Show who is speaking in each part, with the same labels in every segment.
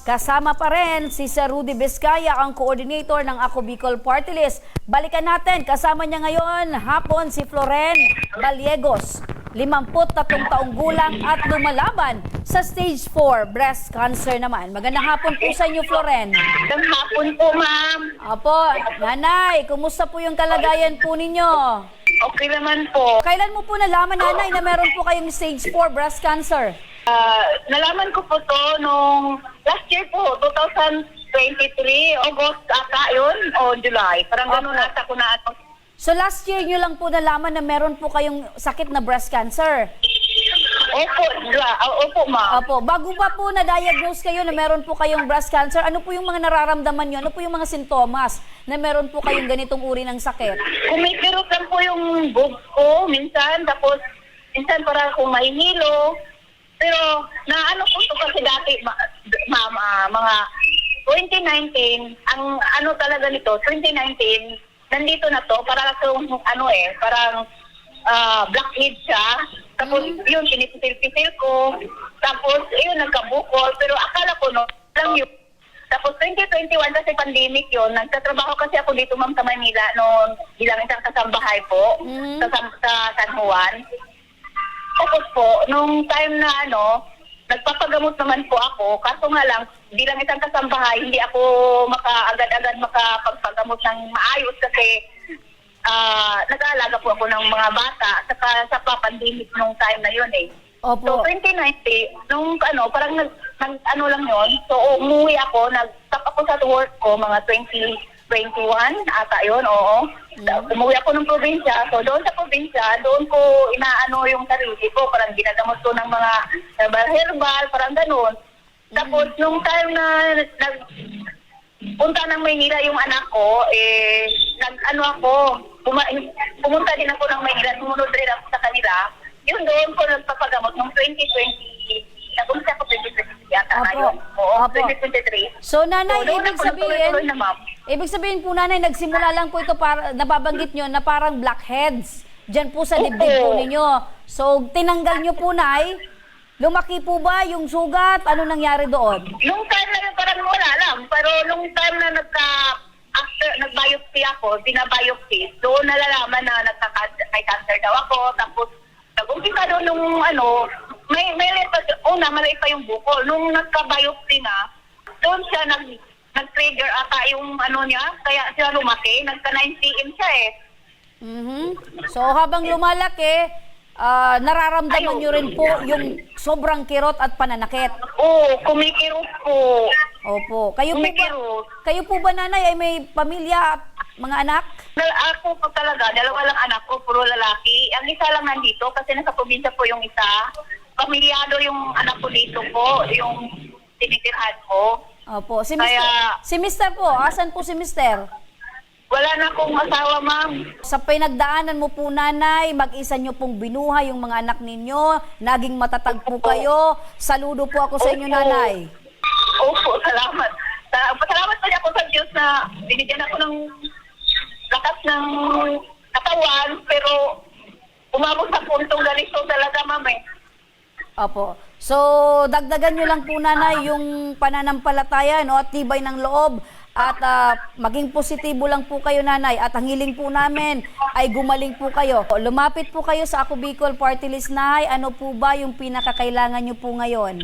Speaker 1: Kasama pa rin si Sir Rudy Vizcaya, ang coordinator ng Ako Bicol Party List. Balikan natin, kasama niya ngayon hapon si Floren Gallegos, 53 taong gulang at lumalaban sa stage 4 breast cancer naman. Magandang hapon po sa inyo, Floren.
Speaker 2: Magandang hapon po, ma'am.
Speaker 1: Apo, nanay, kumusta po yung kalagayan po ninyo?
Speaker 2: Okay naman po.
Speaker 1: Kailan mo po nalaman, nanay, na meron po kayong stage 4 breast cancer?
Speaker 2: Nalaman ko po to nung last year po, 2023, August ata yun, o July. Parang ganun
Speaker 1: Opo.
Speaker 2: ata ko na ano.
Speaker 1: So last year nyo lang po nalaman na meron po kayong sakit na breast cancer?
Speaker 2: Opo, ma'am.
Speaker 1: Opo. Bago pa po na-diagnose kayo na meron po kayong breast cancer, ano po yung mga nararamdaman nyo? Ano po yung mga sintomas na meron po kayong ganitong uri ng sakit?
Speaker 2: Kumikirot lang po yung boobs ko minsan, tapos minsan parang akong mahihilo. Pero naano po ito kasi dati, ma'am, mga 2019, ang ano talaga nito, 2019, nandito na to, para kung parang blackhead siya. Tapos yun, pinipisil-pisil ko. Tapos yun, nagkabukol. Pero akala ko no, lang yun. Tapos 2021 kasi pandemic yun. Nagtatrabaho kasi ako dito, ma'am, sa Manila noon bilang isang kasambahay po sa San Juan. Tapos po, nung time na nagpapagamot naman po ako. Kaso nga lang, bilang isang kasambahay, hindi ako agad-agad makapagpagamot ng maayos kasi nag-aalaga po ako ng mga bata sa pandemic nung time na yun eh.
Speaker 1: Opo.
Speaker 2: So 2019, nung parang nag lang yun, so umuwi ako, nag-stop ako sa work ko, mga 2021 ata yun, oo. Umuwi ako ng probinsya, so doon sa probinsya, doon ko inaano yung sarili ko, parang ginagamot ko ng mga herbal, parang ganun. Tapos nung time na punta ng Maynila yung anak ko, pumunta din ako ng Maynila, sumunod rin ako sa kanila. Yun doon ko nagpapagamot nung 2020, nag-umpisa ako 2023 yata ngayon. Oo, 2023.
Speaker 1: So nanay,
Speaker 2: doon
Speaker 1: ibig
Speaker 2: ako nagtuloy-tuloy na, ma'am.
Speaker 1: ibig sabihin po nanay, nagsimula lang po ito para nababanggit nyo na parang blackheads dyan po sa dibdib po ninyo. So tinanggal nyo po, nay. Lumaki po ba yung sugat? Ano nangyari doon?
Speaker 2: Nung time na yun, parang wala lang. Pero nung time na after nag-biopsy ako, binabiopsy, doon nalalaman na may cancer daw ako. Tapos nag-umpisa doon nung may maliit pa yung bukol. Nung nagka-biopsy na, doon siya nag-trigger ata yung niya, kaya siya lumaki. Nagka 9 cm siya eh.
Speaker 1: So habang lumalaki, nararamdaman nyo rin po yung sobrang kirot at pananakit.
Speaker 2: Oo, kumikirot po.
Speaker 1: Opo.
Speaker 2: Kumikirot.
Speaker 1: Kayo po ba, nanay, ay may pamilya at mga anak?
Speaker 2: Ako po talaga, dalawa lang anak ko, puro lalaki. Ang isa lang nandito kasi nasa probinsya po yung isa. Pamilyado yung anak ko dito po, yung tinitirhan ko.
Speaker 1: Opo.
Speaker 2: Kaya-
Speaker 1: Si Mister po, asan po si Mister?
Speaker 2: Wala na akong asawa, ma'am.
Speaker 1: Sa pinagdaanan mo po, nanay, mag-isa nyo pong binuhay yung mga anak ninyo, naging matatag po kayo. Saludo po ako sa inyo,
Speaker 2: Opo.
Speaker 1: nanay.
Speaker 2: Opo, salamat. Pasalamat pa niya ako sa Diyos na binigyan ako ng lakas ng katawan, pero umabot sa puntong ganito talaga, ma'am eh.
Speaker 1: Opo. So, dagdagan nyo lang po, nanay, yung pananampalataya, no, at tibay ng loob. At maging positibo lang po kayo, nanay. At ang hiling po namin ay gumaling po kayo. Lumapit po kayo sa Ako Bicol Party List, nay. Ano po ba yung pinakakailangan nyo po ngayon?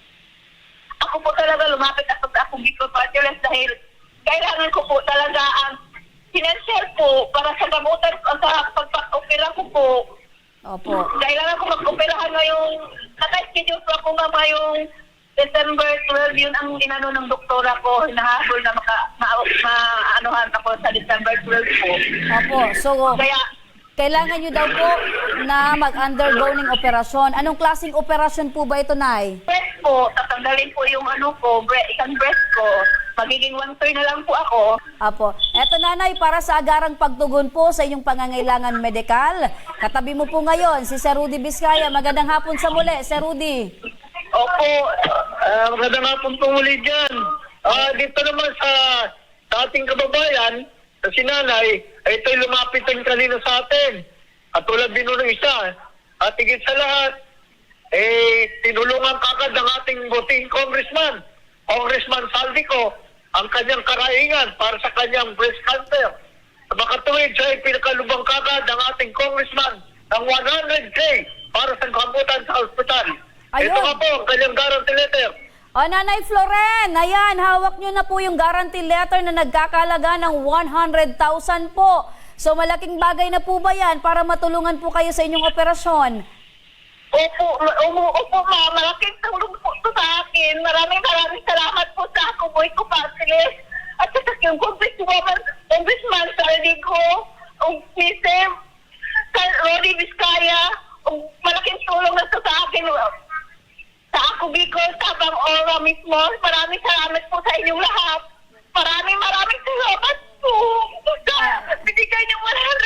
Speaker 2: Ako po talaga lumapit ako sa Ako Bicol Party List dahil kailangan ko po talaga ang financial po para sa gamutan sa pagpapopera ko po.
Speaker 1: Opo.
Speaker 2: Kailangan ko mag-operahan ngayong naka-schedule po ako nga ngayong December 12, yun ang inano ng doktora ko, hinahabol na maanuhan ako sa December 12 po.
Speaker 1: Opo. So,
Speaker 2: Kaya,
Speaker 1: kailangan nyo daw po na mag-undergo ng operasyon. Anong klaseng operasyon po ba ito, nay?
Speaker 2: breast po, tatanggalin po yung isang breast ko. Magiging 1/3 na lang po ako.
Speaker 1: Apo. Eto, nanay, para sa agarang pagtugon po sa inyong pangangailangan medikal, katabi mo po ngayon si Sir Rudy Vizcaya. Magandang hapon sa muli, Sir Rudy.
Speaker 3: Opo, magandang hapon po muli dyan. Dito naman sa ating kababayan, sa sinanay, ay ito'y lumapit ang kanina sa atin. At tulad din ng isa. At higit sa lahat, tinulungan kagad ng ating buting congressman Congressman Saldico ang kanyang karaingan para sa kanyang breast cancer. Sa makatuwid, siya ay pinakalubang kagad ng ating congressman ng 100K para sa gamutan sa ospital.
Speaker 1: Ayun.
Speaker 3: Ito nga po ang kanyang guarantee letter.
Speaker 1: O, Nanay Floren, ayan, hawak nyo na po yung guarantee letter na nagkakalaga ng 100,000 po. So, malaking bagay na po ba yan para matulungan po kayo sa inyong operasyon?
Speaker 2: Opo, opo ma'am, malaking tulong po ito sa akin. Maraming salamat po sa ako, boy ko Patrick. At sa yung congressman Saldico, ang Mr. Rodi Vizcaya, malaking tulong na ito sa akin. Sa ako, Bicol, Tabang Ora mismo. Maraming salamat po sa inyong lahat. Maraming salamat po. Binigay niyo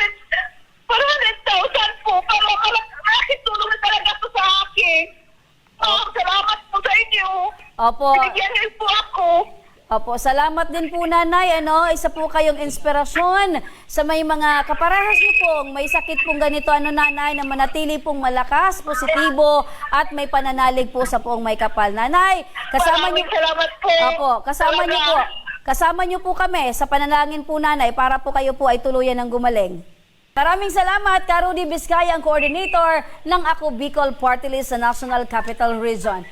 Speaker 2: 100,000 po. Pero malaking tulong na talaga ito sa akin. Salamat po sa inyo.
Speaker 1: Opo.
Speaker 2: Binigyan niyo po ako.
Speaker 1: Opo, salamat din po nanay. Isa po kayong inspirasyon sa may mga kaparehas niyo pong may sakit pong ganito nanay na manatili pong malakas, positibo at may pananalig po sa poong may kapal. Nanay, kasama niyo.
Speaker 2: Maraming salamat po.
Speaker 1: Opo, kasama niyo po. Kasama niyo po kami sa panalangin po nanay para po kayo po ay tuluyan ng gumaling. Maraming salamat, Ka Rudy Vizcaya, ang coordinator ng Ako Bicol Party List sa National Capital Region.